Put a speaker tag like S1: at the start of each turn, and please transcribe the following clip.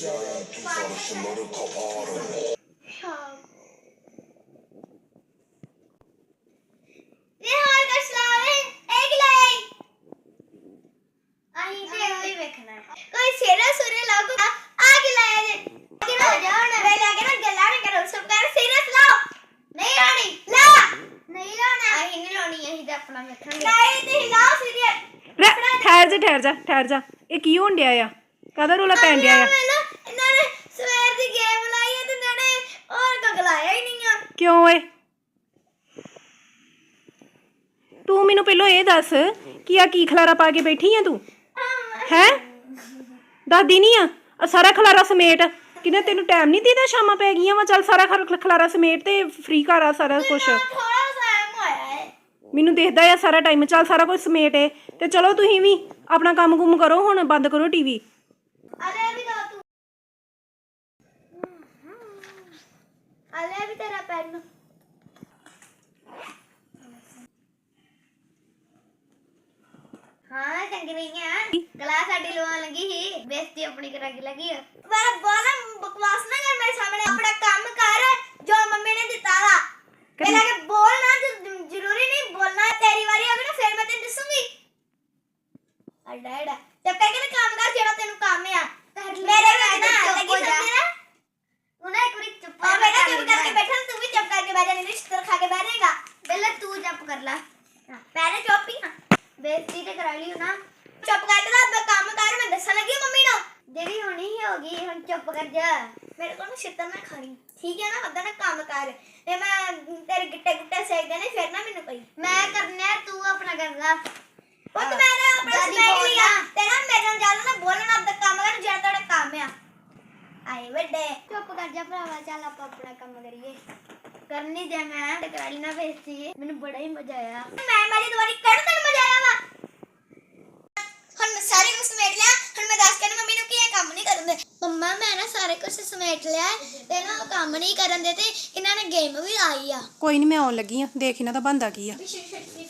S1: ठहर जा ये की होण दिया आ कादा रोला पैन दिया आ क्यों ओए तू मैनू पहलो ये दस कि आ की खलारा पा के बैठी है तू है दसदी नहीं आ सारा खलारा समेट कि तेन टाइम नहीं दीदा शामा पै गई वा चल सारा खलारा समेट ते फ्री घर आ सारा कुछ मैनू देखदा है सारा टाइम चल सारा कुछ समेट है ते चलो तुसीं भी अपना काम कुम करो हुण बंद करो टीवी तेरा पेन हाँ चंगी नहीं है क्लास साडी लवा लगी ही बेइज्जती अपनी करा के लगी है पर बोला बकवास ना कर मेरे सामने अपना काम कर जो मम्मी ने दिता था पहले के बोलना जरूरी नहीं बोलना तेरी बारी होगी ना फिर मैं तेन दसूंगी अड्डा अड्डा जब कह के काम कर जेड़ा तेनु काम है मेरे में ना लगी समझ ना तू ना एक बारी चुप और बेटा चुप करके बैठा तू भी चुप करके बैठ जा नहीं रिश्तेदार खा के बैठ जाएगा पहले तू चुप कर ला पहले चुप ही बेइज्जती ते करा लियो ना चुप कर जा अब काम कर मैं दसन लगी मम्मी नो जेडी होनी ही होगी हुन चुप कर जा मेरे को ना शितर ना खानी ठीक है ना वदा ना काम कर ते मैं तेरे गिट्टे गुट्टे सेक देने फिर ना मेनू कही मैं करने तू अपना कर ला वो तो मैंने अपना सेक लिया तेरा मेरे नाल ना बोलना अब काम कर जेड़ा तेरा काम है आए बड़े चुप कर जा भरावा चल आप अपना काम करिए करनी दे मैं ते कराली ना बेइज्जती मेनू बड़ा ही मजा आया मैं मारी दोबारी कर तन मजा आया वा हुन मैं सारे कुछ समेट लिया हुन मैं दस के मम्मी नु कि काम नहीं करन दे मम्मा मैं ना सारे कुछ समेट लिया ते ना काम नहीं करन दे ते इन्हां ने गेम भी आई आ
S2: कोई नहीं मैं आउण लगी आ देख इन्हां दा बनदा की आ